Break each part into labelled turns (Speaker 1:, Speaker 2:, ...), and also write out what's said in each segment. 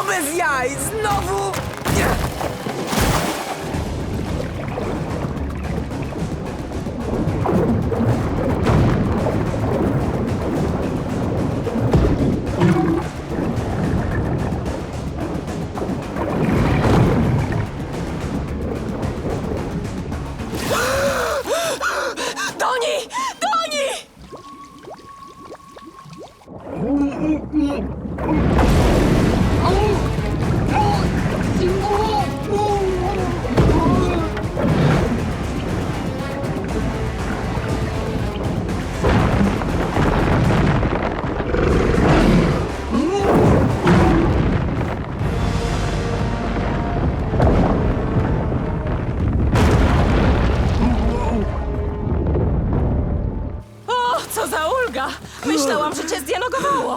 Speaker 1: No bez jaj! Znowu! Nie!
Speaker 2: Doni! Doni! O, co za ulga! Myślałam, że cię zdialogowało.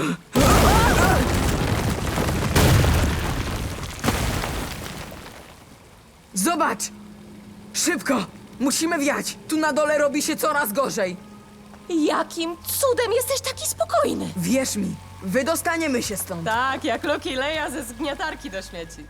Speaker 1: Zobacz! Szybko! Musimy wiać! Tu na dole robi się coraz gorzej!
Speaker 2: Jakim cudem jesteś taki spokojny?
Speaker 1: Wierz mi, wydostaniemy się stąd!
Speaker 2: Tak, jak Loki Leja ze zgniatarki do śmieci.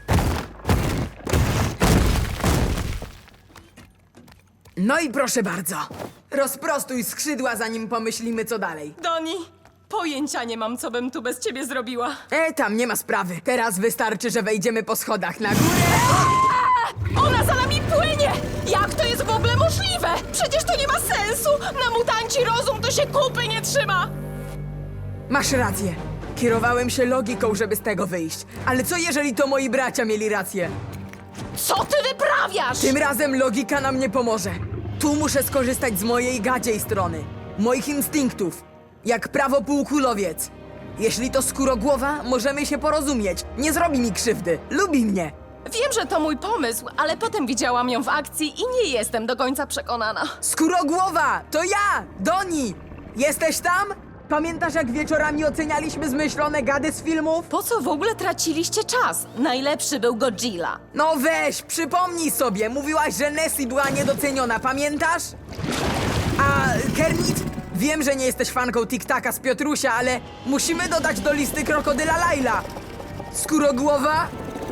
Speaker 1: No i proszę bardzo! Rozprostuj skrzydła, zanim pomyślimy, co dalej.
Speaker 2: Doni, pojęcia nie mam, co bym tu bez ciebie zrobiła.
Speaker 1: Tam nie ma sprawy. Teraz wystarczy, że wejdziemy po schodach na górę.
Speaker 2: Ona za nami płynie! Jak to jest w ogóle możliwe? Przecież to nie ma sensu! Na mutanci rozum to się kupy nie trzyma!
Speaker 1: Masz rację. Kierowałem się logiką, żeby z tego wyjść. Ale co jeżeli to moi bracia mieli rację?
Speaker 2: Co ty wyprawiasz?
Speaker 1: Tym razem logika nam nie pomoże. Tu muszę skorzystać z mojej gadziej strony. Moich instynktów. Jak prawo półkulowiec. Jeśli to skórogłowa, możemy się porozumieć. Nie zrobi mi krzywdy. Lubi mnie.
Speaker 2: Wiem, że to mój pomysł, ale potem widziałam ją w akcji i nie jestem do końca przekonana.
Speaker 1: Skórogłowa! To ja! Doni! Jesteś tam? Pamiętasz, jak wieczorami ocenialiśmy zmyślone gady z filmów?
Speaker 2: Po co w ogóle traciliście czas? Najlepszy był Godzilla.
Speaker 1: No weź, przypomnij sobie, mówiłaś, że Nessie była niedoceniona, pamiętasz? A Kermit? Wiem, że nie jesteś fanką Tik-Taka z Piotrusia, ale musimy dodać do listy krokodyla Laila. Skórogłowa?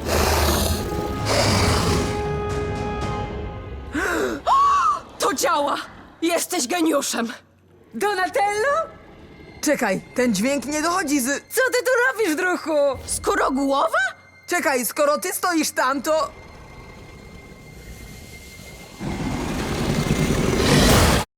Speaker 2: To działa! Jesteś geniuszem!
Speaker 1: Donatello? Czekaj, ten dźwięk nie dochodzi z... Co ty tu robisz, druhu?
Speaker 2: Skórogłowa?
Speaker 1: Czekaj, skoro ty stoisz tam, to...